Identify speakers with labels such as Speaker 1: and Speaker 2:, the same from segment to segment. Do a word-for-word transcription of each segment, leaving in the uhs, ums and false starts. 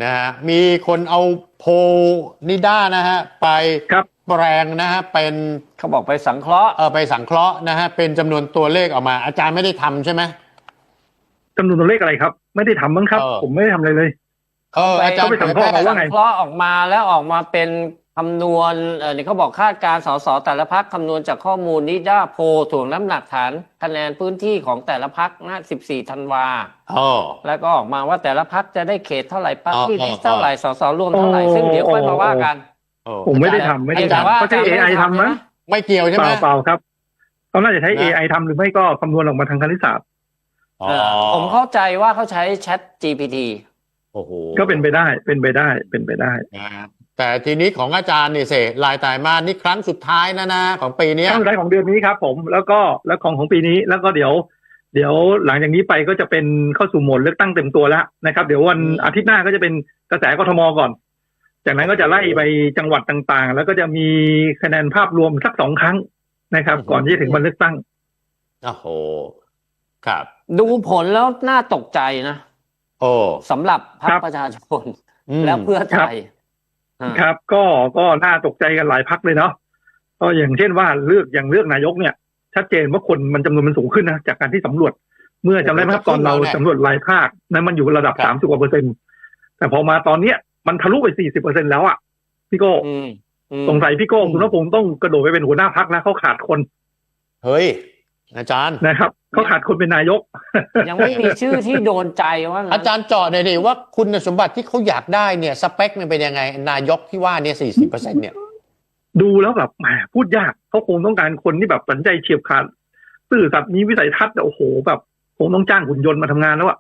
Speaker 1: นะฮะมีคนเอาโพลนิด้านะฮะไป
Speaker 2: ครับ
Speaker 1: แปลงนะฮะเป็น
Speaker 3: เขาบอกไปสังเคราะห์
Speaker 1: เออไปสังเคราะห์นะฮะเป็นจำนวนตัวเลขออกมาอาจารย์ไม่ได้ทำใช่ไหม
Speaker 2: จำนวนตัวเลขอะไรครับไม่ได้ทำมั้งครับ
Speaker 1: เออ
Speaker 2: ผมไม่ได้ทำอะไรเลย
Speaker 1: เอออาจารย์
Speaker 2: ไปสังเคราะห์มาว่าไง
Speaker 3: สังเคราะห์ออกมาแล้วออกมาเป็นคำนวณเออนี่เขาบอกคาดการณ์สสแต่ละพรรคคำนวณจากข้อมูลนิด้าโพลถ่วงน้ำหนักฐานคะแนนพื้นที่ของแต่ละพรรคนะสิบสี่ธันวา
Speaker 1: อ๋อ
Speaker 3: แล้วก็ออกมาว่าแต่ละพรรคจะได้เขตเท่าไหร่ปาร์ตี้
Speaker 1: อ๋อ
Speaker 3: ลิสต์เท่าไหร่สสรวมเท่าไหร่
Speaker 2: อ๋อ
Speaker 3: ซึ่งเดี๋ยวค่อยมาว่ากัน
Speaker 1: เออ
Speaker 2: ผมไม่ได้ทำไม่ได้
Speaker 3: แต่
Speaker 2: ทำ
Speaker 3: ว่า
Speaker 2: ก็ใช้ เอ ไอ ทำมั้ง
Speaker 1: ไม่เกี่ยวใช่
Speaker 2: เป
Speaker 1: ไหม
Speaker 2: ล่าเปล่าครับเขาน่าจะใช้
Speaker 1: นะ
Speaker 2: เอ ไอ ทำหรือไม่ก็คำนวณออกมาทางคณิตศาสตร์
Speaker 1: อ๋อ
Speaker 3: เออผมเข้าใจว่าเขาใช้ Chat จี พี ที
Speaker 1: โอ้โห
Speaker 2: ก็เป็นไปได้เป็นไปได้เป็นไปได้
Speaker 1: นะแต่ทีนี้ของอาจารย์นี่เสรายตายมานี่ครั้งสุดท้ายนะนะของปีเนี้ย
Speaker 2: ครั้งสุดท้ายของเดือนนี้ครับผมแล้วก็แล้วของของปีนี้แล้วก็เดี๋ยว เดี๋ยวหลังจากนี้ไปก็จะเป็นเข้าสู่โหมดเลือกตั้งเต็มตัวแล้วนะครับเดี๋ยววัน
Speaker 1: อืม
Speaker 2: อาทิตย์หน้าก็จะเป็นกระแสกทมก่อน จากนั้นก็จะไล่ไปจังหวัดต่างๆ แล้วก็จะมีคะแนนภาพรวมสักสองครั้งนะครับ ก่อนที่จะถึงวันเลือกตั้ง
Speaker 1: โอ้โหครับ
Speaker 3: ดูผลแล้วน่าตกใจนะ
Speaker 1: โอ้
Speaker 3: สำหรับพรร
Speaker 2: ครั
Speaker 3: ค
Speaker 2: บ
Speaker 3: ประชาชน
Speaker 1: อืม
Speaker 3: แล้วเพื่อไทยอ่า
Speaker 2: ครับก็ก็น่าตกใจกันหลายพักเลยเนาะก็อย่างเช่นว่าเลือกอย่างเลือกนายกเนี่ย ชัดเจนว่าคนมันจำนวนมันสูงขึ้นนะจากการที่สำรวจ เมื่อจำได้ไหมครับตอนเราสำรวจรายภาคนั้นมันอยู่ระดับ
Speaker 1: ครับ
Speaker 2: สามสิบกว่าเปอร์เซ็นต์แต่พอมาตอนเนี้ยมันทะลุไปสี่สิบเปอร์เซ็นต์แล้วอ่ะพี่โก้
Speaker 3: อืมอืม
Speaker 2: สงสัยพี่โก้คุณว่าผมต้องกระโดดไปเป็นหัวหน้าพักนะเขาขาดคน
Speaker 1: เฮ้ยอาจารย์
Speaker 2: นะครับเขาขาดคนเป็นนายก
Speaker 3: ยังไม่มีชื่อที่โดนใจว่างั้น
Speaker 1: อาจารย์เจาะหน่อยดิว่าคุณสมบัติที่เขาอยากได้เนี่ยสเปคมันเป็นยังไง นายกที่ว่าเนี่ยสี่สิบเปอร์เซ็นต์เนี่ย
Speaker 2: ดูแล้วแบบแหมพูดยากเขาคงต้องการคนที่แบบสัญใจเฉียบขาดซื่อสัตย์มีวิสัยทัศน์โอ้โหแบบคงต้องจ้างหุ่นยนต์มาทำงานแล้วอะ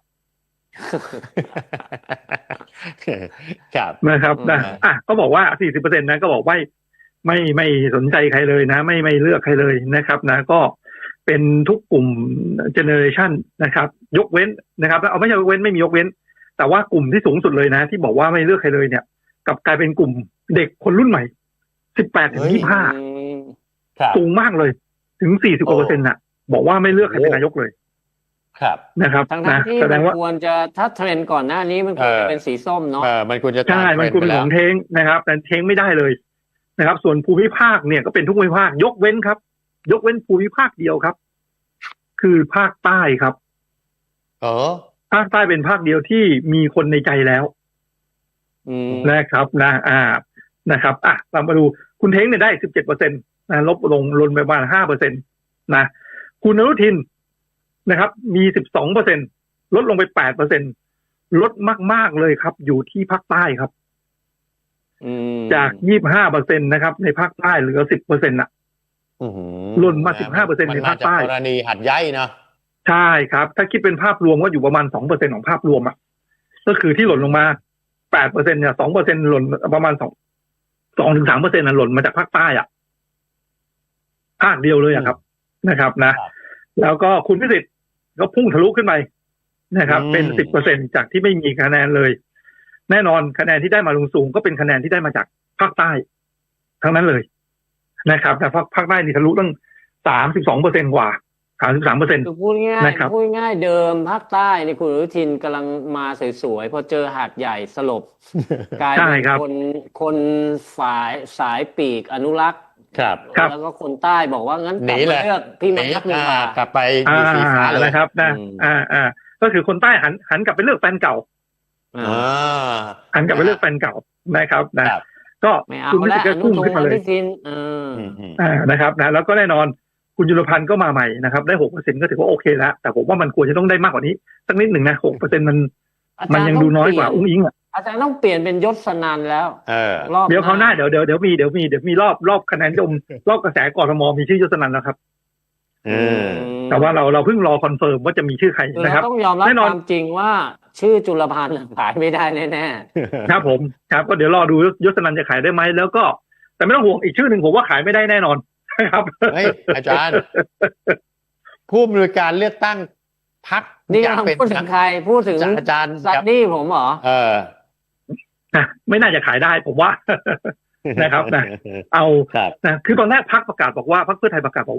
Speaker 1: ครับ
Speaker 2: นะครับนะ
Speaker 1: อืม
Speaker 2: อ่ะก็บอกว่าสี่สิบเปอร์เซ็นต์นะก็บอกว่าไม่ไม่สนใจใครเลยนะ ไม่ไม่เลือกใครเลยนะครับนะก็เป็นทุกกลุ่มเจเนอเรชันนะครับ ยกเว้นนะครับเอาไม่ใช่ยกเว้นไม่มียกเว้น แต่ว่ากลุ่มที่สูงสุดเลยนะ ที่บอกว่าไม่เลือกใครเลยเนี่ยกลับกลายเป็นกลุ่มเด็กคนรุ่นใหม่สิบแปดถึงยี่สิบห้า
Speaker 3: อืม
Speaker 1: ครับ
Speaker 2: สูงมากเลย ถึงสี่สิบกว่าเปอร์เซ็นต์น่ะ บอกว่าไม่เลือกใครเป็นนายกเลย
Speaker 1: ครับ
Speaker 2: นะครับ
Speaker 3: ทั้ง
Speaker 2: นะ
Speaker 3: ๆที่
Speaker 2: แสด
Speaker 3: มั
Speaker 2: ง
Speaker 3: น
Speaker 2: ว่า
Speaker 3: ควรจะถ้าเทรนด์ก่อนหน้านี้มันควร
Speaker 1: เอ
Speaker 3: จะ
Speaker 1: อ
Speaker 3: เป็นสีส้มเนาะ
Speaker 1: เออมันควรจะ
Speaker 2: ใช่
Speaker 1: ตาม
Speaker 2: มัน
Speaker 1: เท
Speaker 2: ควร
Speaker 1: รนด์
Speaker 2: เป็น
Speaker 1: ไป
Speaker 2: ข
Speaker 1: แล้
Speaker 2: อ
Speaker 1: ว
Speaker 2: งเทงนะครับ แต่เทงไม่ได้เลยนะครับ ส่วนภูมิภาคเนี่ยก็เป็นทุกภูมิภาคยกเว้นครับ ยกเว้นภูมิภาคเดียวครับ คือภาคใต้ครับ
Speaker 1: เออ
Speaker 2: ภาคใต้เป็นภาคเดียวที่มีคนในใจแล้ว
Speaker 3: อืม
Speaker 2: นะครับนะอ่านะครับอ่ะเรามาดูคุณเท้งเนี่ยได้สิบเจ็ดเปอร์เซ็นต์นะลบลงลนไปประมาณห้าเปอร์เซ็นต์นะคุณอนุทินนะครับ มีสิบสองเปอร์เซ็นต์ลดลงไปแปดเปอร์เซ็นต์ลดมากๆเลยครับ อยู่ที่ภาคใต้ครับ
Speaker 3: อืม
Speaker 2: จากยี่สิบห้าเปอร์เซ็นต์นะครับ ในภาคใต้เหลือสิบเปอร์เซ็นต์อ่ะ
Speaker 1: อื้อหือ
Speaker 2: หล่นมา15% ในภาคใต้
Speaker 1: มันมจกกรณีหัดใหญ่เนาะ
Speaker 2: ใช่ครับ ถ้าคิดเป็นภาพรวมก็อยู่ประมาณสองเปอร์เซ็นต์ของภาพรวมอ่ะก็คือที่หล่นลงมาแปดเปอร์เซ็นต์เนี่ยสองเปอร์เซ็นต์หล่นประมาณสองสองถึงสามเปอร์เซ็นต์น่ะหล่นมาจากภาคใต้อ่ะภาคเดียวเลยอะครับนะครับนะ แล้วก็คุณพิสิทธิ์ก็พุ่งทะลุขึ้นไปนะครับ เป็นสิบเปอร์เซ็นต์จากที่ไม่มีคะแนนเลย แน่นอนคะแนนที่ได้มาลงสูงก็เป็นคะแนนที่ได้มาจากภาคใต้ ทั้งนั้นเลยนะครับแต่ภาคภาคใต้นี่ทะลุตั้งสามสิบสองเปอร์เซ็นต์กว่าสามสิบสามเปอร์เซ็นต์
Speaker 3: คือพูดง่าย
Speaker 2: นะครับ
Speaker 3: พูดง่ายเดิมภาคใต้นี่คุณอนุทินกำลังมาสวยๆพอเจอหาดใหญ่สลบ กลาย
Speaker 2: ใช่
Speaker 3: เป็น
Speaker 2: ครับ
Speaker 3: คนคนฝ่ายสายปีกอนุรักษ์
Speaker 1: ครับ
Speaker 2: ครับ
Speaker 3: แล้วก็คนใต้บอกว่างั้น
Speaker 1: ห
Speaker 3: กลั
Speaker 1: นี
Speaker 3: บ
Speaker 1: เล
Speaker 3: มาย เลือกพี่มานัดดีกว่า
Speaker 1: อ่ากลับไปอ
Speaker 2: อ่า
Speaker 1: ยู่สีฟ้าเลย
Speaker 2: นะครับนะ
Speaker 3: อืม
Speaker 2: อ่าอ่าก็คือคนใต้หันหันกลับไปเลือกแฟนเก่า
Speaker 3: อ่า
Speaker 1: อ่า
Speaker 2: หันกลับไปเลือกแฟนเก่านะครับนะครับ ก็
Speaker 3: ไม่เอา
Speaker 2: คุณพิ
Speaker 3: แล้
Speaker 2: สิ
Speaker 3: ว
Speaker 2: ทธิ์
Speaker 3: อ
Speaker 2: ก็
Speaker 3: นุ
Speaker 2: พุ่ง
Speaker 3: ท
Speaker 2: ขึ้น
Speaker 3: ง
Speaker 2: มา
Speaker 3: อ
Speaker 2: เลย
Speaker 3: นุทินเออ
Speaker 1: อืมอืม
Speaker 2: อ่านะครับนะแล้วก็แน่นอนคุณยุรพันธ์ก็มาใหม่นะครับได้หกเปอร์เซ็นต์ก็ถือว่าโอเคแล้วแต่ผมว่ามันควรจะต้องได้มากกว่านี้สักนิดหนึ่งนะหกเปอร์เซ็นต์มัน
Speaker 3: อา
Speaker 2: มั
Speaker 3: จาน รย์
Speaker 2: ยัง
Speaker 3: ต้
Speaker 2: ดู
Speaker 3: อง
Speaker 2: น้อย
Speaker 3: เปลี่
Speaker 2: ก
Speaker 3: ย
Speaker 2: ว่าน อุ้งอิงอ่ะ
Speaker 3: อาจารย์ต้องเปลี่ยนเป็นยศนันแล้ว
Speaker 1: เออ
Speaker 3: รอบ
Speaker 2: เดี๋ยวเขาวหน้าเดี๋ยวเดี๋ยวเดี๋ยวมีเดี๋ยวมีเดี๋ยวมีรอบรอบคะแนนนิยมรอบกระแสกทมมีชื่อยศนันท์แล้วครับ
Speaker 1: อืม
Speaker 2: แต่ว่าเราเราเพิ่งรอคอนเฟิร์มว่าจะมีชื่อใคร
Speaker 3: คือ
Speaker 2: นะค
Speaker 3: เรา
Speaker 2: รับ
Speaker 3: ต้องยอมรับ
Speaker 2: แน่นอน
Speaker 3: ความจริงว่าชื่อจุลพันธ์ขายไม่ได้แน่
Speaker 2: ครับผมครับก็เดี๋ยวรอดูยศนันท์จะขายได้ไหมแล้วก็ แต่ไม่ต้องห่วงอีกชื่อหนึ่งผมว่าขายไม่ได้แน่นอนครับ
Speaker 1: เฮ้ยอาจารย์ ผู้อำนวยการเลือกตั้งพัก
Speaker 3: ๆนี่
Speaker 1: อยาก
Speaker 3: กำลัง
Speaker 1: เป็น
Speaker 3: พูดถึงใครพูดถึง
Speaker 1: อาจารย์
Speaker 3: ซันนี่ผมเหรอ
Speaker 1: เออ
Speaker 2: นะไม่น่าจะขายได้ผมว่า นะครับนะเอา
Speaker 1: ครับ
Speaker 2: นะคือตอนแรกพรรคประกาศบอกว่าพรรคเพื่อไทยประกาศบอกว่า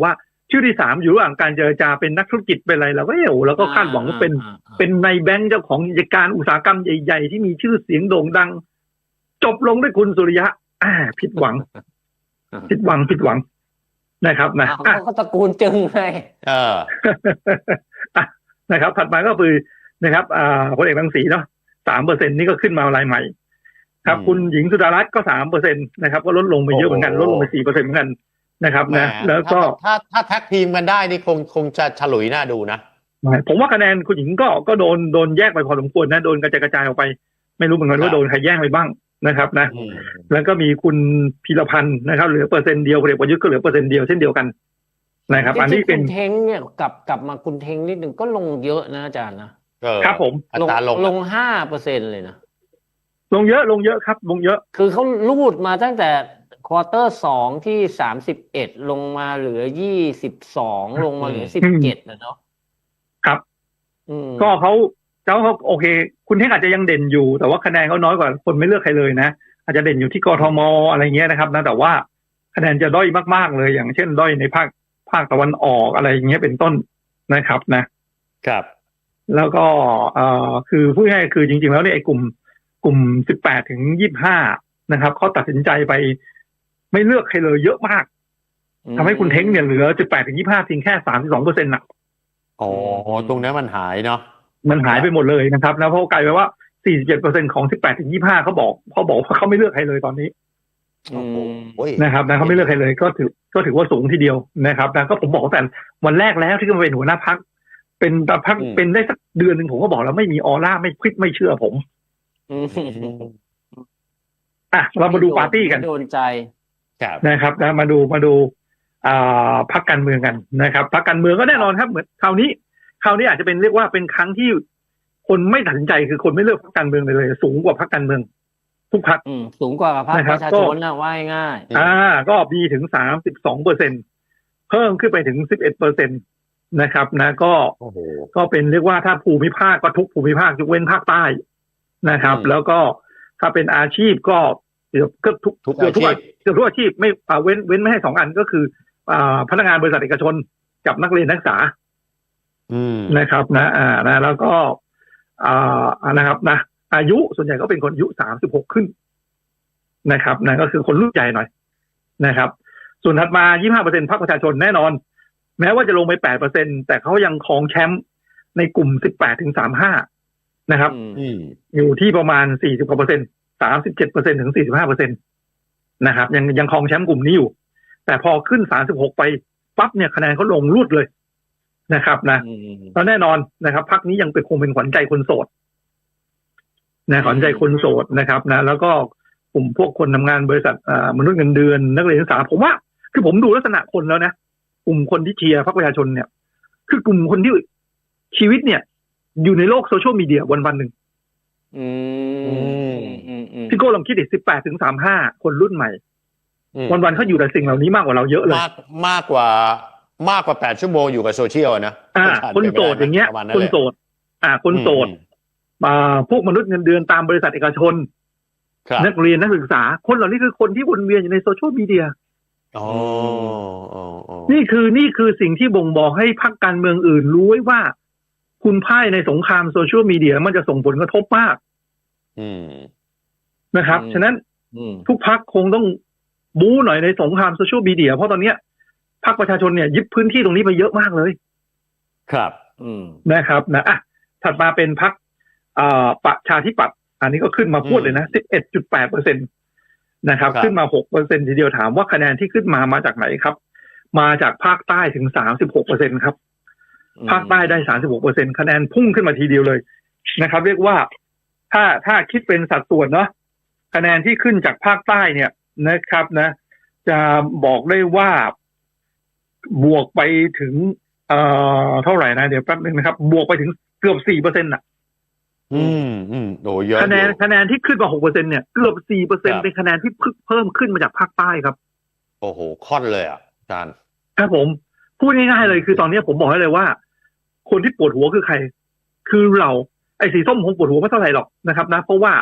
Speaker 2: ชื่อที่สามอยู่ระหว่างการเจรจาเป็นนักธุรกิจเป็นอะไรเราก็เอ้เราก็คาดหวังว่าเป็น
Speaker 3: อ่าอ่า
Speaker 2: เป็นในแบงค์เจ้าของกิจการอุตสาหกรรมใหญ่ๆที่มีชื่อเสียงโด่งดัง จบลงด้วยคุณสุริยะอ่าผิดหวัง ผิดหวังผิดหวังนะครับนะ
Speaker 3: อ้าว
Speaker 2: อ่ะ
Speaker 3: เขาก็ตระกูลจึงไง
Speaker 1: เออ
Speaker 2: อ่ะนะครับ ถัดมาก็คือนะครับอ่าพลเอกรังสีเนาะสามเปอร์เซ็นนี่ก็ขึ้นมารายใหม่ ครับ
Speaker 1: อืม
Speaker 2: คุณหญิงสุดารัตน์ก็สามเปอร์เซ็นต์นะครับก็ลดลงไปเยอะเหมือนกัน
Speaker 1: โอ้โห
Speaker 2: ลดลงไปสี่เปอร์เซ็นต์เหมือนกันนะครับนะ
Speaker 1: แหม
Speaker 2: แล้วก็
Speaker 1: ถ้าถ้าถ้าแท็กทีมกันได้นี่คงคงจะฉลุยน่าดูนะ
Speaker 2: ผมว่าคะแนนคุณหญิงก็ก็โดนโดนแยกไปพอสมควรนะโดนกระจายกระจายออกไป ไม่รู้เหมือนกัน
Speaker 1: ครั
Speaker 2: ว่า
Speaker 1: บ
Speaker 2: โดนใครแย่งไปบ้างนะครับนะ
Speaker 1: อืม
Speaker 2: แล้วก็มีคุณพีรพันธ์นะครับเหลือเปอร์เซ็นต์เดียวพลเอกประยุทธ์ก็เหลือเปอร์เซ็นต์เดียวเช่นเดียวกันนะครับ อันนี้
Speaker 3: จริงๆ
Speaker 2: เป็น
Speaker 3: คุณเท้งเนี่ยกลับกลับมาคุณเท้งนิดหนึ่งก็ลงเยอะนะอาจารย์นะ
Speaker 1: เออ
Speaker 2: ครับผม
Speaker 1: อัตราลง
Speaker 3: ลงห้าเปอร์เซ็นเลยนะ
Speaker 2: ลงเยอะลงเยอะครับลงเยอะ
Speaker 3: คือเขาลูดมาตั้งแต่ควอเตอร์สองที่สามสิบเอ็ดลงมาเหลือยี่สิบสองลงมาเหลือสิบเจ็ดนะเนาะ
Speaker 2: ครับ
Speaker 3: อืม
Speaker 2: ก็เขาเจ้าเขาโอเค คุณเท่งอาจจะยังเด่นอยู่ แต่ว่าคะแนนเขาน้อยกว่าคนไม่เลือกใครเลยนะอาจจะเด่นอยู่ที่กทมอะไรเงี้ยนะครับนะแต่ว่าคะแนนจะด้อยมากๆเลยอย่างเช่นด้อยในภาคภาคตะวันออกอะไรอย่างเงี้ยเป็นต้นนะครับนะ
Speaker 1: ครับ
Speaker 2: แล้วก็เอ่อคือพูดง่ายๆคือจริงๆแล้วเนี่ยไอ้กลุ่มกลุ่มสิบแปดถึงยี่สิบห้านะครับเขาตัดสินใจไปไม่เลือกใครเลยเยอะมากทำให้คุณเท้งเนี่ยเหลือสิบแปดถึงยี่สิบห้าเพียงแค่สามสิบสองเปอร์เซ็นต์น่ะ
Speaker 1: อ๋อตรงนี้มันหายเนาะ
Speaker 2: มันหายไปหมดเลยนะครับแล้วเพราะกลายไปว่าสี่สิบเจ็ดเปอร์เซ็นต์ของสิบแปดถึงยี่สิบห้าเขาบอกเขาบอกว่าเขาไม่เลือกใครเลยตอนนี้
Speaker 3: อืม
Speaker 1: โอ้ย
Speaker 2: นะครับนะเขาไม่เลือกใครเลยก็ถือก็ถือว่าสูงทีเดียวนะครับนะก็ผมบอกแต่วันแรกแล้วที่มาเป็นหัวหน้าพักเป็นพักเป็นได้สักเดือนหนึ่งผมก็บอกแล้วไม่มีออร่าไม่คลิกไม่เชื่อผม
Speaker 3: อืม
Speaker 2: อ่ะเรามาดูปาร์ตี้กัน
Speaker 3: โดนใจ
Speaker 1: ครับ
Speaker 2: นะครับนะมาดูมาดูอ่าพรรคการเมืองกันนะครับพรรคการเมืองก็แน่นอนครับเหมือนคราวนี้คราวนี้อาจจะเป็นเรียกว่าเป็นครั้งที่คนไม่ตัดสินใจคือคนไม่เลือกพรรคการเมืองเลยเลยสูงกว่าพรรคการเมืองทุกพรรค
Speaker 3: อืมสูงกว่ากับภาค
Speaker 2: นะค
Speaker 3: ป
Speaker 2: รับ
Speaker 3: ระชา
Speaker 2: ก็
Speaker 3: ชนนะว่าง่าย
Speaker 2: อ่าก็มีถึงสามสิบสองเปอร์เซ็นเพิ่มขึ้นไปถึงสิบเอ็ดเปอร์เซ็นตนะครับนะก็
Speaker 1: โอ้โห
Speaker 2: ก็เป็นเรียกว่าถ้าภูมิภาคก็ทุกภูมิภาคยกเว้นภาคใต้นะครับ
Speaker 1: อืม
Speaker 2: แล้วก็ถ้าเป็นอาชีพก็เกือบเกือบทุก
Speaker 1: ทุก
Speaker 2: เกือบทุก
Speaker 1: อาชีพ
Speaker 2: เกือบทุกอาชีพไม่อ่าเว้นเว้นไม่ให้สองอันก็คืออ่าพนักงานบริษัทเอกชนกับนักเรียนนักศึกษา
Speaker 1: อืม
Speaker 2: นะครับนะอ่านะแล้วก็อ่านะครับนะอายุส่วนใหญ่ก็เป็นคนอายุสามสิบหกขึ้นนะครับนะก็คือคนรุ่นใหญ่หน่อยนะครับ ส่วนถัดมา ยี่สิบห้าเปอร์เซ็นต์ พรรคประชาชนแน่นอน แม้ว่าจะลงไป แปดเปอร์เซ็นต์ แต่เขายังครองแชมป์ในกลุ่ม สิบแปดถึงสามสิบห้า นะครับ
Speaker 3: ๆอืม
Speaker 1: อืม
Speaker 2: อยู่ที่ประมาณ สี่สิบกว่าเปอร์เซ็นต์ สามสิบเจ็ดเปอร์เซ็นต์ ถึง สี่สิบห้าเปอร์เซ็นต์ นะครับ ยังยังครองแชมป์กลุ่มนี้อยู่ แต่พอขึ้น สามสิบหก ไปปั๊บเนี่ยคะแนนเขาลงรูดเลยนะครับนะ
Speaker 3: อืม
Speaker 2: แล้วแน่นอนนะครับพรรคนี้ยังเป็นคงเป็นขวัญใจคนโสดนะขวัญใจคนโสดนะครับนะแล้วก็กลุ่มพวกคนทำงานบริษัทอ่ามนุษย์เงินเดือนนักเรียนนักศึกษาผมว่าคือผมดูลักษณะคนแล้วนะกลุ่มคนที่เชียร์พรรคประชาชนเนี่ย คือกลุ่มคนที่ชีวิตเนี่ย อยู่ในโลกโซเชียลมีเดียวันวันๆหนึ่ง
Speaker 3: อืมอืมอืมอืม
Speaker 2: พี่โก้ลองคิดดิสิบแปดถึงสามห้าคนรุ่นใหม่
Speaker 1: อืม
Speaker 2: วันวันๆเขาอยู่แต่สิ่งเหล่านี้มากกว่าเราเยอะเลย
Speaker 1: มากมากกว่ามากกว่าแปดชั่วโมงอยู่กับโซเชียลอะนะ
Speaker 2: อ่า
Speaker 1: ผ่
Speaker 2: คนโสดอย่างเงี้ย
Speaker 1: ประมณ
Speaker 2: คน
Speaker 1: เลย
Speaker 2: โสด อ่า คนโสด
Speaker 1: อืม
Speaker 2: อ่าพวกมนุษย์เงินเดือนตามบริษัทเอกชน
Speaker 1: ครับ
Speaker 2: นักเรียนนักศึกษา คนเหล่านี้คือคนที่วนเวียนอยู่ในโซเชียลมีเดีย
Speaker 1: อ๋ออ๋ออ๋อ
Speaker 2: นี่คือนี่คือสิ่งที่บ่งบอกให้พรรคการเมืองอื่นรู้ไว้ว่า คุณพ่ายในสงครามโซเชียลมีเดียมันจะส่งผลกระทบมาก
Speaker 1: อืม
Speaker 2: นะครับ
Speaker 3: อืม
Speaker 2: ฉะนั้น
Speaker 3: อืม
Speaker 2: ทุกพรรคคงต้องบู๊หน่อยในสงครามโซเชียลมีเดียเพราะตอนเนี้ยพรรคประชาชนเนี่ยยึดพื้นที่ตรงนี้ไปเยอะมากเลย
Speaker 1: ครับ
Speaker 3: อืม
Speaker 2: นะครับนะอ่ะถัดมาเป็นพรรคอ่าประชาธิปัตย์อันนี้ก็ขึ้นมาพูดเลยนะ สิบเอ็ดจุดแปดเปอร์เซ็นต์ นะครับ
Speaker 1: ครับ
Speaker 2: ขึ้นมา หกเปอร์เซ็นต์ ทีเดียวถามว่าคะแนนที่ขึ้นมามาจากไหนครับ มาจากภาคใต้ถึง สามสิบหกเปอร์เซ็นต์ ครับ ภาคใต้ได้ สามสิบหกเปอร์เซ็นต์ คะแนนพุ่งขึ้นมาทีเดียวเลยนะครับ เรียกว่าถ้าถ้าคิดเป็นสัดส่วนเนาะคะแนนที่ขึ้นจากภาคใต้เนี่ยนะครับนะ จะบอกได้ว่าบวกไปถึงเอ่อเท่าไหร่นะเดี๋ยวแป๊บนึงนะครับ บวกไปถึงเกือบ สี่เปอร์เซ็นต์ น่ะ
Speaker 1: อืมอืมโอ้เยอะ
Speaker 2: คะแนน
Speaker 1: อยู่
Speaker 2: คะแนนที่ขึ้นมา หกเปอร์เซ็นต์ เนี่ยเกือบ สี่เปอร์เซ็นต์
Speaker 1: ครับ
Speaker 2: เป็นคะแนนที่เพิ่มขึ้นมาจากภาคใต้ครับ
Speaker 1: โอ้โหค่อนเลยอ่ะอาจารย์
Speaker 2: ครับผมพูดง่ายๆเลยคือตอนนี้ผมบอกให้เลยว่า คนที่ปวดหัวคือใคร คือเราไอ้สีส้มคงปวดหัวไม่เท่าไหร่หรอกนะครับนะเพราะว่าสี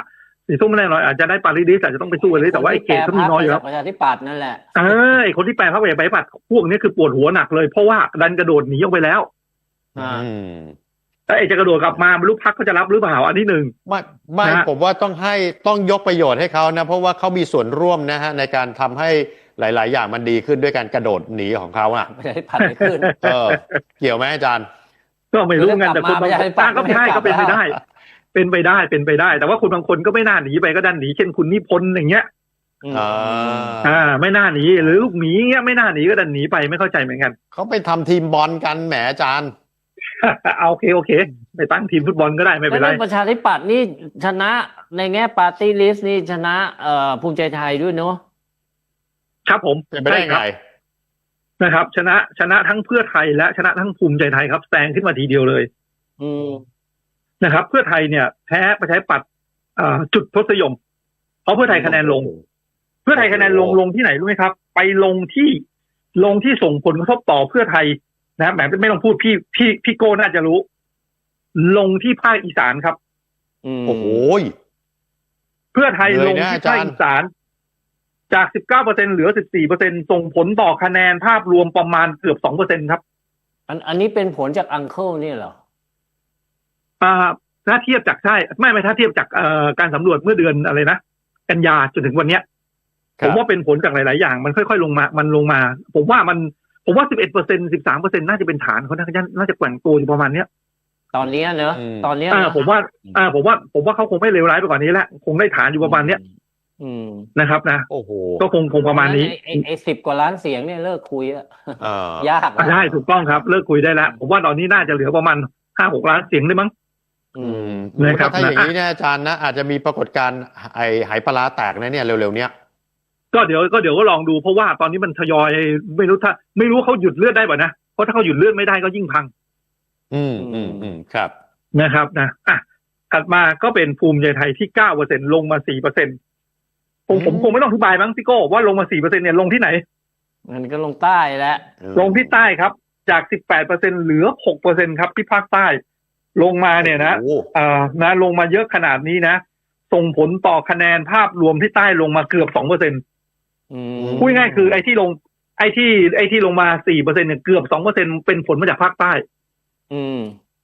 Speaker 2: สีส้มไม่แน่นอนอาจจะได้ปาริดิสอาจจะต้องไปสู้เลยแต่ว่าไอ้เขตเขามีน้อยอยู่แล้ว
Speaker 3: ประชาธิปัตย์นั่นแหละ
Speaker 2: เออไอ้คนที่แปลพรรคประชาธิปัตย์พวกนี้คือปวดหัวหนักเลยเพราะว่าดันกระโดดหนีออกไปแล้ว
Speaker 3: อ่า
Speaker 1: อืม
Speaker 2: แต่ไอ้จะกระโดดกลับมาไม่รู้พรรคเขาจะรับหรือเปล่าอันที่หนึ่ง
Speaker 1: ไม่ไม่
Speaker 2: นะฮะ
Speaker 1: ผมว่าต้องให้ต้องยกประโยชน์ให้เขานะเพราะว่าเขามีส่วนร่วมนะฮะในการทำให้หลาย ๆ อย่างมันดีขึ้นด้วยการกระโดดหนีของเขาอ่ะ
Speaker 3: ประชาธิปัตย์ไม่ขึ้น
Speaker 1: เออ เกี่ยวไหมอาจารย์
Speaker 2: ก็ไม่รู้ไงแต่คนบาง
Speaker 3: เดี๋ยว
Speaker 2: ค
Speaker 3: กลั
Speaker 2: น
Speaker 3: บมา
Speaker 2: ก็ไม่ได้
Speaker 3: ไม่ได้
Speaker 2: ก็เป็นไป
Speaker 3: กลับ
Speaker 2: ได้ เป็นไปได้เป็นไปได้ แต่ว่าคนบางคนก็ไม่น่าหนีไปก็ดันหนีเช่นคุณนิพนธ์อย่างเงี้ย
Speaker 1: อ่า
Speaker 2: อ่าไม่น่าหนีหรือลูกหมีเงี้ยไม่น่าหนีก็ดันหนีไปไม่เข้าใจเหมือนกัน
Speaker 1: เขาไปทำทีมบอลกันแหมอาจารย์
Speaker 2: เอาโอเคโอเคไปตั้งทีมฟุตบอลก็ได้ไม่เป็นไร
Speaker 3: แล้วประชาธิปัตย์นี่ชนะในแง่ปาร์ตี้ลิสต์นี่ชนะเอ่อภูมิใจไทยด้วยเนาะ
Speaker 2: ครับผม
Speaker 1: เป็นไปได้
Speaker 2: ใช่ค
Speaker 1: ไง
Speaker 2: รับนะครับ ชนะชนะทั้งเพื่อไทยและชนะทั้งภูมิใจไทยครับแซงขึ้นมาทีเดียวเลย
Speaker 3: อืม
Speaker 2: นะครับ เพื่อไทยเนี่ยแพ้ประชาธิปัตย์อ่าจุดทศยมเพราะเพื่อไทยคะแนนลง เพื่อไทยคะแนนลงลงที่ไหนรู้ไหมครับ ไปลงที่ลงที่ส่งผลกระทบต่อเพื่อไทยนะแหมไม่ต้องพูดพี่พี่พี่โก้น่าจะรู้ ลงที่ภาคอีสานครับ
Speaker 3: อืม
Speaker 1: โอ้โห
Speaker 2: เพื่อไทย
Speaker 1: เล
Speaker 2: ล
Speaker 1: ย
Speaker 2: ง
Speaker 1: นะ
Speaker 2: ที่
Speaker 1: อาจา
Speaker 2: ภาร ค
Speaker 1: ย์
Speaker 2: อีสานจาก สิบเก้าเปอร์เซ็นต์ เหลือ สิบสี่เปอร์เซ็นต์ ส่งผลต่อคะแนนภาพรวมประมาณเกือบ สองเปอร์เซ็นต์ ครับ
Speaker 3: อันอันนี้เป็นผลจากอังเคิลนี่เหรอ
Speaker 2: อ่าถ้าเทียบจากใช่ไม่ไม่ถ้าเทียบจากเอ่อการสำรวจเมื่อเดือนอะไรนะกันยาจนถึงวันเนี้ย
Speaker 1: ค
Speaker 2: ผ
Speaker 1: รับ
Speaker 2: มว่าเป็นผลจากหลาย ๆ อย่าง มันค่อย ๆ ลงมา มันลงมา ผมว่ามัน ผมว่า สิบเอ็ดเปอร์เซ็นต์ สิบสามเปอร์เซ็นต์ น่าจะเป็นฐานเขาน่าจะน่าจะแกว่งตัวอยู่ประมาณเนี้ย
Speaker 3: ตอนเนี้ยเนอะ
Speaker 1: อืม
Speaker 3: ตอนเนี้ย
Speaker 2: อ่า
Speaker 3: เนอะ
Speaker 2: ผมว่า อ่า ผมว่า ผมว่าเขาคงไม่เลวร้ายไปกว่านี้แล้ว คงได้ฐานอยู่ประมาณเนี้ย
Speaker 3: อืม
Speaker 2: นะครับนะ
Speaker 1: โอ้โห
Speaker 2: ก็คงคงประมาณนี้
Speaker 3: ไอ้ไอ้ไอ้สิบกว่าล้านเสียงเนี่ยเลิกคุยอะ
Speaker 1: เออ
Speaker 3: ยาก
Speaker 2: อ่ะได้ถูกต้องครับ เลิกคุยได้แล้ว ผมว่าตอนนี้น่าจะเหลือประมาณห้าหกล้านเสียงได้มั้ง
Speaker 3: อื
Speaker 1: อื
Speaker 3: ม
Speaker 1: ม
Speaker 2: นะครับ
Speaker 1: ถ้าอย่าง
Speaker 2: นะ
Speaker 1: นี้เนี่ยอาจารย์นะอาจจะมีปรากฏการณ์ไอ้ไหปลาร้าแตกนะเนี่ยเร็วๆเนี้ย
Speaker 2: ก็เดี๋ยวก็เดี๋ยวก็ลองดูเพราะว่าตอนนี้มันทยอยไม่รู้ถ้าไม่รู้เขาหยุดเลือดได้ป่ะนะเพราะถ้าเขาหยุดเลือดไม่ได้ก็ยิ่งพัง
Speaker 1: อืมอืมอืมครับ
Speaker 2: นะครับนะอ่ะถัดมาก็เป็นภูมิใจไทยที่เก้าเปอร์เซ็นต์ลงมาสี่เปอร์เซ็นต์ผมผม
Speaker 1: อืม
Speaker 2: คงไม่ต้องอธิบายมั้งพี่โก้ว่าลงมาสี่เปอร์เซ็นต์เนี่ยลงที่ไหน
Speaker 3: มันก็ลงใต้แล้ว
Speaker 2: ลงที่ใต้ครับจากสิบแปดเปอร์เซ็นต์เหลือหกเปอร์เซ็นต์ครับที่ภาคใต้ลงมาเนี่ยนะ
Speaker 1: โอ้โห
Speaker 2: เอ่อนะลงมาเยอะขนาดนี้นะส่งผลต่อคะแนนภาพรวมที่ใต้ลงมาเกือบสองเปอร์เซ็นต์
Speaker 3: อืม
Speaker 2: พูดง่ายๆคือไอ้ที่ลงไอ้ที่ไอ้ที่ลงมาสี่เปอร์เซ็นต์เนี่ยเกือบสองเปอร์เซ็นต์เป็นผลมาจากภาคใต้
Speaker 3: อืม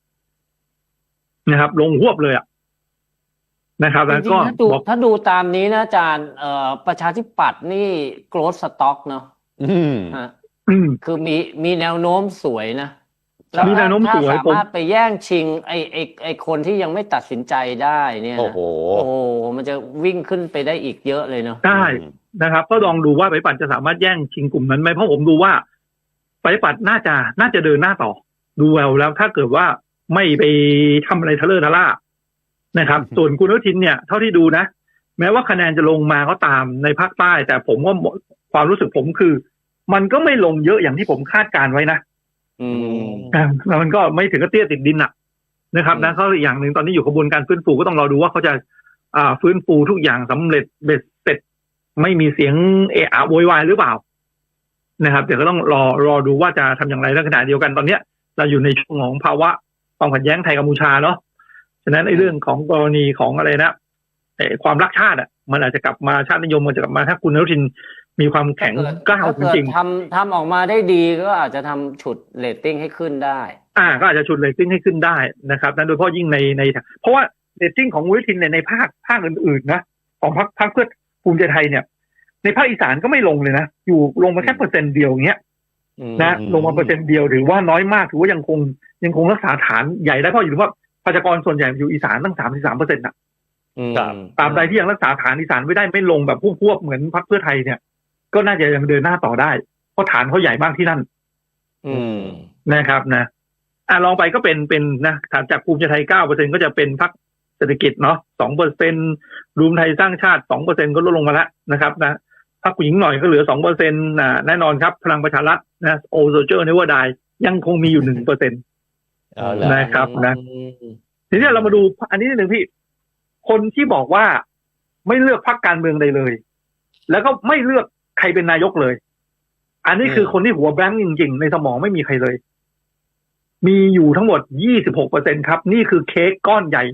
Speaker 2: นะครับลงหวบเลยอ่ะนะครับ
Speaker 3: จ
Speaker 2: แล้ว
Speaker 3: ริ
Speaker 2: ก็
Speaker 3: งๆถ้าดู
Speaker 2: บอก
Speaker 3: ถ้าดูตามนี้นะอาจารย์เอ่อประชาธิปัตย์นี่ growth stock เนาะ
Speaker 1: อืม
Speaker 3: ฮะ
Speaker 2: อืม
Speaker 3: คือมีมีแนวโน้มสวยนะ
Speaker 2: มีแนวโน้มสวย
Speaker 3: ถ้าสามารถไปแย่งชิงไอไอไอคนที่ยังไม่ตัดสินใจได้เนี่ยนะ
Speaker 1: โอ้โห
Speaker 3: โอ้โหมันจะวิ่งขึ้นไปได้อีกเยอะเลยเนาะ
Speaker 2: ได้ นะครับก็ลองดูว่าไปปัดจะสามารถแย่งชิงกลุ่มนั้นไหมเพราะผมดูว่าไปปัดน่าจะน่าจะเดินหน้าต่อ ดูแววแล้วถ้าเกิดว่าไม่ไปทำอะไรทะเลอะทะล่านะครับ ส่วนคุณอนุทินเนี่ยเท่าที่ดูนะ แม้ว่าคะแนนจะลงมาก็ตามในภาคใต้ แต่ผมว่าความรู้สึกผมคือ มันก็ไม่ลงเยอะอย่างที่ผมคาดการไว้นะ
Speaker 3: อืม
Speaker 2: อ่าแล้วมันก็ไม่ถึงกับเตี้ยติดดินอะนะครับนะเขาอีกอย่างหนึ่งตอนนี้อยู่กระบวนการฟื้นฟูก็ต้องรอดูว่าเขาจะอ่าฟื้นฟูทุกอย่างสำเร็จเบ็ดเสร็จไม่มีเสียงเอะอะโวยวายหรือเปล่านะครับเดี๋ยวก็ต้องรอรอดูว่าจะทำอย่างไรในขณะเดียวกันตอนเนี้ยเราอยู่ในช่วงของภาวะความขัดแย้งไทยกัมพูชาเนาะฉะนั้นไอ้เรื่องของกรณีของอะไรนะไอ้ความรักชาติอ่ะมันอาจจะกลับมาชาตินิยมมันจะกลับมาถ้าคุณอนุทินมีความแข็งกล้าวจ
Speaker 3: ถ้าเกิด
Speaker 2: ริง
Speaker 3: ทำทำออกมาได้ดีก็อาจจะทำฉุดเรตติ้งให้ขึ้นได้
Speaker 2: ๆอ่าก็อาจจะชุดเรตติ้งให้ขึ้นได้นะครับนั้นโดยเฉพาะยิ่งในในเพราะว่าเรตติ้งของคุณอนุทินในในภาคภาคอื่นๆนะของพรรคพรรคเพื่อภูมิใจไทยเนี่ยในภาคอีสานก็ไม่ลงเลยนะอยู่ลงมาแค่เปอร์เซ็นต์เดียวอย่างเงี้ย
Speaker 3: อืม
Speaker 2: นะลงมาเปอร์เซ็นต์เดียวถือว่าน้อยมากถือว่ายังคงยังคงรักษาฐานใหญ่ได้เพราะอยู่ว่าประชากรส่วนใหญ่อยู่อีสานตั้งสามสิบสามเปอร์เซ็นต์นะ
Speaker 3: อืม
Speaker 1: ครับ
Speaker 2: ตามใดที่ยังรักษาฐานอีสานไม่ได้ไม่ลงแบบพวกๆเหมือนพรรคเพื่อไทยเนี่ยก็น่าจะยังเดินหน้าต่อได้เพราะฐานเขาใหญ่มากที่นั่น
Speaker 3: อืม
Speaker 2: นะครับนะอ่ะลองไปก็เป็นเป็นนะฐานจากภูมิใจไทยเก้าเปอร์เซ็นต์ก็จะเป็นพรรคเศรษฐกิจเนาะสองเปอร์เซ็นต์รวมไทยสร้างชาติสองเปอร์เซ็นต์ก็ลดลงมาแล้วนะครับนะพรรคผู้หญิงหน่อยก็เหลือสองเปอร์เซ็นต์อ่าแน่นอนครับพลังประชารัฐนะโอโซเจอร์เนเวอร์ไดยังคงมีอยู่หนึ่งเปอร์เซ็นต์
Speaker 1: เอาละ
Speaker 2: นะครับนะ
Speaker 3: อืม
Speaker 2: ทีนี้เรามาดูอันนี้นิดหนึ่งพี่ คนที่บอกว่าไม่เลือกพรรคการเมืองใดเลย แล้วก็ไม่เลือกใครเป็นนายกเลย อันนี้คือคนที่หัวแบงค์จริงๆในสมองไม่มีใครเลย มีอยู่ทั้งหมด ยี่สิบหกเปอร์เซ็นต์ ครับ นี่คือเค้กก้อนใหญ่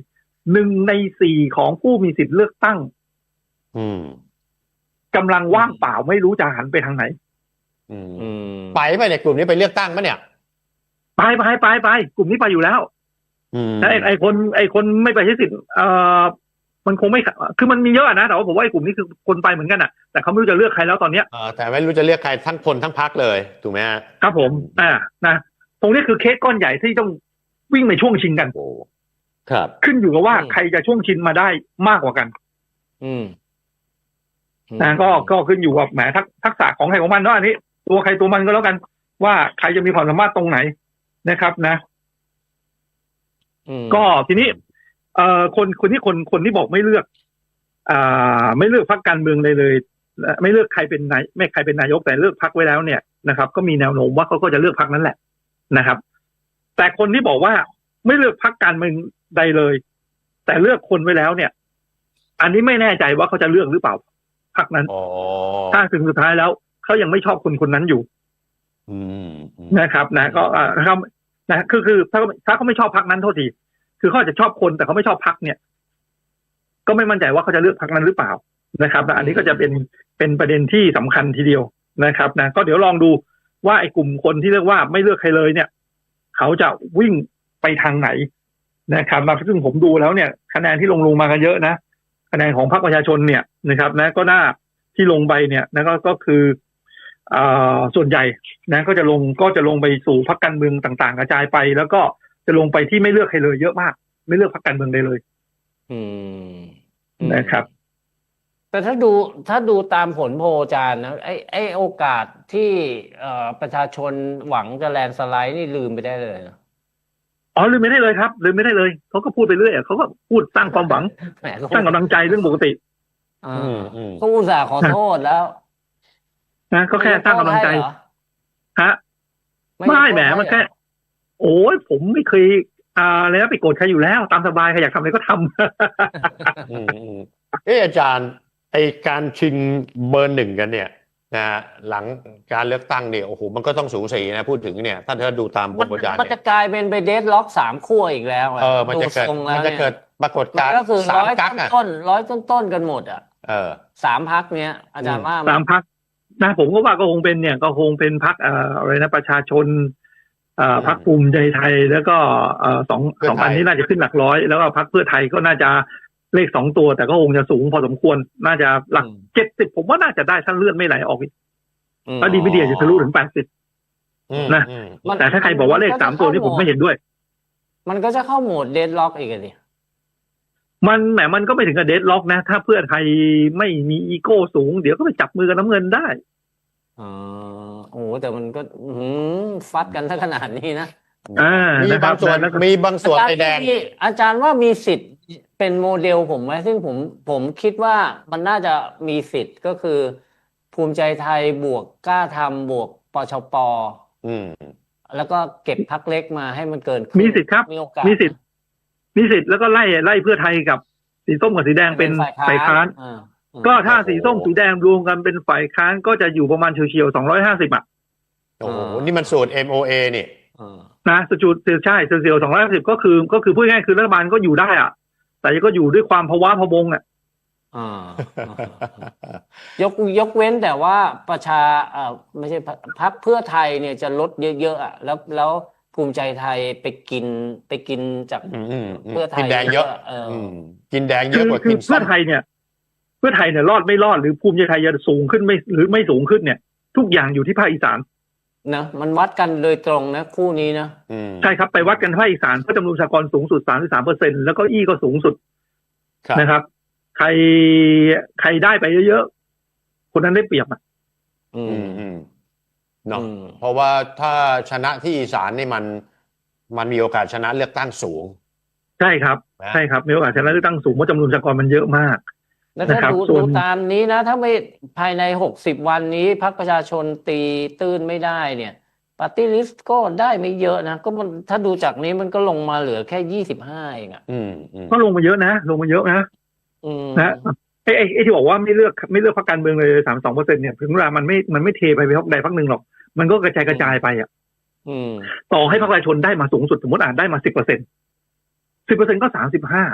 Speaker 2: หนึ่งในสี่ของผู้มีสิทธิ์เลือกตั้ง
Speaker 1: อืม
Speaker 2: กำลังว่างเปล่าไม่รู้จะหันไปทางไหน
Speaker 1: อืม
Speaker 3: อืม
Speaker 1: ไปไปเนี่ยกลุ่มนี้ไปเลือกตั้งปะเนี่ย
Speaker 2: ไปไปไปไปกลุ่มนี้ไปอยู่แล้ว
Speaker 1: อืม
Speaker 2: แต่ไอ้ไอ้คนไอ้คนไม่ไปใช้สิทธิ์เอ่อมันคงไม่คือมันมีเยอะนะแต่ว่าผมว่าไอ้กลุ่มนี้คือคนไปเหมือนกันอ่ะแต่เขาไม่รู้จะเลือกใครแล้วตอนเนี้ย
Speaker 1: เออแต่ไม่รู้จะเลือกใครทั้งคนทั้งพรรคเลยถูกไหมฮะ
Speaker 2: ครับผมอ่านะตรงนี้คือเคสก้อนใหญ่ที่ต้องวิ่งในช่วงชิงกัน
Speaker 1: โอ้ครับ
Speaker 2: ขึ้นอยู่กับว่า
Speaker 3: อืม
Speaker 2: ใครจะช่วงชิงมาได้มากกว่ากัน
Speaker 3: อืม
Speaker 2: นะก็ก็ขึ้นอยู่กับแหมทักทักษะของใครของมันเนาะอันนี้ตัวใครตัวมันก็แล้วกัน ว่าใครจะมีความสามารถตรงไหนนะครับนะ
Speaker 3: อืม
Speaker 2: ก็ทีนี้เอ่อคนคนที่คนคนที่บอกไม่เลือกอ่าไม่เลือกพรรคการเมืองเลยเลยและไม่เลือกใครเป็นนายไม่ใครเป็นนายกแต่เลือกพรรคไว้แล้วเนี่ยนะครับ ก็มีแนวโน้มว่าเขาก็จะเลือกพรรคนั้นแหละนะครับ แต่คนที่บอกว่าไม่เลือกพรรคการเมืองใดเลย แต่เลือกคนไว้แล้วเนี่ย อันนี้ไม่แน่ใจว่าเขาจะเลือกหรือเปล่าพรรคนั้น
Speaker 1: อ๋อ
Speaker 2: ถ้าถึงสุดท้ายแล้วเขายังไม่ชอบคนคนนั้นอยู่
Speaker 1: อืมอืม
Speaker 2: นะครับ นะ ก็อ่านะครับนะคือคือถ้าถ้าเขาไม่ชอบพรรคนั้นโทษทีคือเขาอาจจะชอบคนแต่เขาไม่ชอบพรรคเนี่ย ก็ไม่มั่นใจว่าเขาจะเลือกพรรคนั้นหรือเปล่านะครับนะอันนี้ก็จะเป็นเป็นประเด็นที่สำคัญทีเดียวนะครับนะก็เดี๋ยวลองดูว่าไอ้กลุ่มคนที่เรียกว่าไม่เลือกใครเลยเนี่ย เขาจะวิ่งไปทางไหนนะครับมาซึ่งผมดูแล้วเนี่ย คะแนนที่ลงลงมากันเยอะนะคะแนนของพรรคประชาชนเนี่ยนะครับ นะ ก็น่าที่ลงไปเนี่ยนะก็ก็คืออ่าส่วนใหญ่นะ ก็จะลงก็จะลงไปสู่พรรคการเมืองต่างๆกระจายไป แล้วก็จะลงไปที่ไม่เลือกใครเลยเยอะมาก ไม่เลือกพรรคการเมืองใดเลย
Speaker 3: อืม
Speaker 2: นะครับ
Speaker 3: แต่ถ้าดูถ้าดูตามผลโพลอาจารย์นะไอ้ไอ้โอกาสที่เอ่อประชาชนหวังจะแลนด์สไลด์นี่ลืมไปได้เลยนะ
Speaker 2: อ๋อลืมไม่ได้เลยครับลืมไม่ได้เลยเขาก็พูดไปเรื่อยอะเขาก็พูดสร้างความหวัง
Speaker 3: แหมก็
Speaker 2: สร้างกำลังใจเรื่องปกติ
Speaker 3: อ่า
Speaker 1: อืมอืม
Speaker 3: ก็อุตส่าห์ขอโทษแล้ว
Speaker 2: นะก็แค่สร้างกำลังใจ
Speaker 3: ไม่ยกโทษให้เหรอ
Speaker 2: ฮะ
Speaker 3: ยก
Speaker 2: ไม่
Speaker 3: โทษ
Speaker 2: แหม
Speaker 3: ให้
Speaker 2: มันแค่
Speaker 3: เหรอ
Speaker 2: โอ้ยผมไม่เคยอ่าอะไรนะไปโกรธใครอยู่แล้ว ตามสบายใครอยากทำอะไรก็ทำ
Speaker 1: อืมอืมเอออาจารย์ไอการชิงเบอร์หนึ่งกันเนี่ยนะฮะหลังการเลือกตั้งเนี่ยโอ้โหมันก็ต้องสูสีนะพูดถึงเนี่ยถ้าเธอดูตามโพ
Speaker 3: มัน
Speaker 1: ลอาจารย์
Speaker 3: มัน
Speaker 1: เนี่
Speaker 3: จะ
Speaker 1: ย
Speaker 3: กลายเป็นไปเดดล็อกสามขั้วอีกแล้วะ
Speaker 1: เออมันจะเกิด
Speaker 3: ทรงแล้ว
Speaker 1: มันจะ
Speaker 3: เนี่ย
Speaker 1: เกิดปรากฏ
Speaker 3: มัน
Speaker 1: การณ์
Speaker 3: ก็คือ
Speaker 1: สา
Speaker 3: ร้
Speaker 1: ม
Speaker 3: อย
Speaker 1: กั๊กอ่ะ
Speaker 3: ต้นๆร้อยต้นๆกันหมดอ่ะ
Speaker 1: เออ
Speaker 3: สามพักเนี้ย อาจารย์ว่าไหม
Speaker 2: สามพักนะผมก็ว่าก็คงเป็นเนี่ย ก็คงเป็นพักเอ่ออะไรนะประชาชนเอ่อพักภูมิใจไทยแล้วก็เอ่อสอง
Speaker 1: เพื่อ
Speaker 2: สอง
Speaker 1: ไทย
Speaker 2: อันนี้น่าจะขึ้นหลักร้อย แล้วก็พักเพื่อไทยก็น่าจะเลขสองตัว แต่ก็คงจะสูงพอสมควรน่าจะหลักเจ็ดสิบผมว่าน่าจะได้ถ้าเลื่อนไม่ไหลออกอีก
Speaker 3: อืม
Speaker 2: ถ้าดีไม่ดีอาจจะทะลุถึงแปดสิบ
Speaker 1: อืม
Speaker 2: นะ
Speaker 1: อืม
Speaker 3: มัน
Speaker 2: แต่ถ้าใครบอกว่าเลขสามตัวนี่ผมไม่เห็นด้วย
Speaker 3: มันก็จะเข้าโหมดเดดล็อกอีกอะดิ
Speaker 2: มันแหมมันก็ไม่ถึงกับเดดล็อกนะ ถ้าเพื่อไทยไม่มีอีโก้สูง เดี๋ยวก็ไปจับมือกับน้ำเงินได้
Speaker 3: อ๋อโอ้โหแต่มันก็อื้อหือฟัดกันถ้าขนาดนี้นะ
Speaker 2: อ่า
Speaker 1: มี
Speaker 2: นะครับ
Speaker 1: บางส่วน
Speaker 2: แล้วก็
Speaker 1: มีบางส่วน
Speaker 3: อาจาร
Speaker 1: ไอ
Speaker 3: ย์
Speaker 1: แดง
Speaker 3: มีอาจารย์ว่ามีสิทธิ์เป็นโมเดลผมไหมซึ่งผมผมคิดว่ามันน่าจะมีสิทธิ์ก็คือ ภูมิใจไทยบวกกล้าทำบวกปชป
Speaker 1: อืม
Speaker 3: แล้วก็เก็บพักเล็กมาให้มันเกินครึ่ง
Speaker 2: มีสิทธิ์ครับ
Speaker 3: มีโอกาส
Speaker 2: มีสิทธิ์ มีสิทธิ์แล้วก็ไล่ไล่เพื่อไทยกับสีส้มกับสีแดงเป็นฝ่ายค้าน
Speaker 3: อ่าอืม
Speaker 2: ก็ถ้า
Speaker 1: โอ้โห
Speaker 2: สีส้มสีแดงรวมกันเป็นฝ่ายค้านก็จะอยู่ประมาณเฉียวๆสองร้อยห้าสิบอ่ะ
Speaker 1: โอ้โหนี่มันสูตร เอ็ม โอ เอ นี่
Speaker 3: อ่า
Speaker 2: นะสจูดใช่เฉียวๆสองร้อยห้าสิบก็คือก็คือพูดง่ายๆคือรัฐบาลก็อยู่ได้อ่ะ แต่ก็อยู่ด้วยความภาวะพะวงอ่ะ
Speaker 3: อ่าอ่ายกยกเว้นแต่ว่าประชาเอ่อไม่ใช่พรรคพรรคเพื่อไทยเนี่ยจะลดเยอะๆอ่ะแล้วแล้วภูมิใจไทยไปกินไปกินจาก
Speaker 1: อืมอืมอืม
Speaker 3: เพื่อไทย
Speaker 1: กินแดงเยอะ
Speaker 3: เออ
Speaker 1: อืมกินแดงเย
Speaker 2: คื
Speaker 1: อะ
Speaker 2: อก
Speaker 1: ว่า
Speaker 2: คื
Speaker 1: กิ
Speaker 2: อน
Speaker 1: ส้
Speaker 2: เพื่อ
Speaker 1: ม
Speaker 2: ไทยเนี่ย เพื่อไทยเนี่ยรอดไม่รอดหรือภูมิใจไทยจะสูงขึ้นไม่หรือไม่สูงขึ้นเนี่ย ทุกอย่างอยู่ที่ภาคอีสาน
Speaker 3: นะมันวัดกันโดยตรงนะคู่นี้นะ
Speaker 1: อืม
Speaker 2: ใช่ครับไปวัดกันภาคอีสานเพราะจำนวนประชากรสูงสุดสามสิบสามเปอร์เซ็นแล้วก็อี้ก็สูงสุด
Speaker 1: ครับ
Speaker 2: นะครับ ใครใครได้ไปเยอะๆคนนั้นได้เปรียบอ่ะ
Speaker 3: อื
Speaker 1: อื
Speaker 3: ม
Speaker 1: มอืมเนาะ
Speaker 3: อืม
Speaker 1: เพราะว่าถ้าชนะที่อีสานนี่มันมันมีโอกาสชนะเลือกตั้งสูง
Speaker 2: ใช่ครับ
Speaker 1: นะ
Speaker 2: ใช่ครับมีโอกาสชนะเลือกตั้งสูงเพราะจำนวนประชากรมันเยอะมาก
Speaker 3: แล้วถ้า
Speaker 2: นะครับ
Speaker 3: ดู
Speaker 2: ส่วน
Speaker 3: ดูตามนี้นะ ถ้าไม่ภายในหกสิบวันนี้พรรคประชาชนตีตื้นไม่ได้เนี่ยปาร์ตี้ลิสต์ก็ได้ไม่เยอะนะ ก็มันถ้าดูจากนี้มันก็ลงมาเหลือแค่ยี่สิบห้าเองอ่ะ
Speaker 1: อืมอืม
Speaker 2: ก็ลงมาเยอะนะ ลงมาเยอะนะ
Speaker 3: อืม
Speaker 2: นะไอ้ไอ้ไอ้ที่บอกว่าไม่เลือกไม่เลือกพรรคการเมืองเลยสามสองเปอร์เซ็นเนี่ยถึงเวลามันไม่มันไม่เทไปไปพรรคใดพรรคหนึ่งหรอกมันก็กระจายกระจายไปอ่ะ
Speaker 3: อืม
Speaker 2: ต่อให้พรรคประชาชนได้มาสูงสุดสมมติอ่านได้มาสิบเปอร์เซ็นสิบเปอร์เซ็นก็สามสิบห้า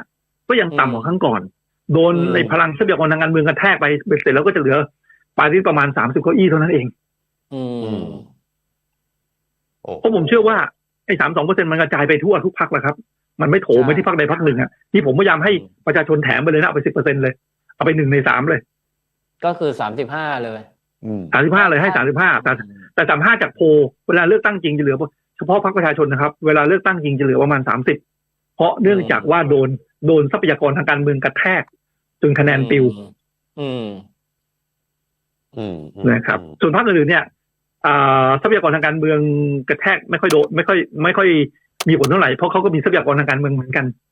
Speaker 2: ก็ยังต่ำกว่าครั้งก่อน โดน
Speaker 3: อืม
Speaker 2: ในพลังทรัพยากรทางการเมืองกระแทกไปเสร็จแล้วก็จะเหลือปาร์ตี้ประมาณสามสิบเก้าอี้เท่านั้นเอง
Speaker 3: อืม
Speaker 1: โอ้
Speaker 2: เพราะผมเชื่อว่าไอ้สามสองเปอร์เซ็นต์มันกระจายไปทั่วทุกพรรคแล้วครับมันไม่โถม
Speaker 3: ใช่
Speaker 2: ไปที่พรรคใดพรรคหนึ่งอ่ะที่ผมพยายามให้
Speaker 3: อืม
Speaker 2: ประชาชนแถมไปเลยนะเอาไปสิบเปอร์เซ็นต์เลยเอาไปหนึ่งในสามเลย
Speaker 3: ก็คือสามสิบห้าเลย
Speaker 1: อืม
Speaker 2: สามสิบห้าเลยให้สามสิบห้าแต่แต่สามห้าจากโพลเวลาเลือกตั้งจริงจะเหลือเฉพาะพรรคประชาชนนะครับเวลาเลือกตั้งจริงจะเหลือประมาณสามสิบเพราะเนื่องจากว่าโดนโดนทรัพยากรทางการเมืองกระแทกจนคะแนนปิว
Speaker 3: อืม
Speaker 1: อืม
Speaker 2: นะครับ ส่วนพรรคอื่นๆเนี่ยอ่าทรัพยากรทางการเมืองกระแทกไม่ค่อยโดนไม่ค่อยไม่ค่อยมีผลเท่าไหร่เพราะเขาก็มีทรัพยากรทางการเมืองเหมือนกัน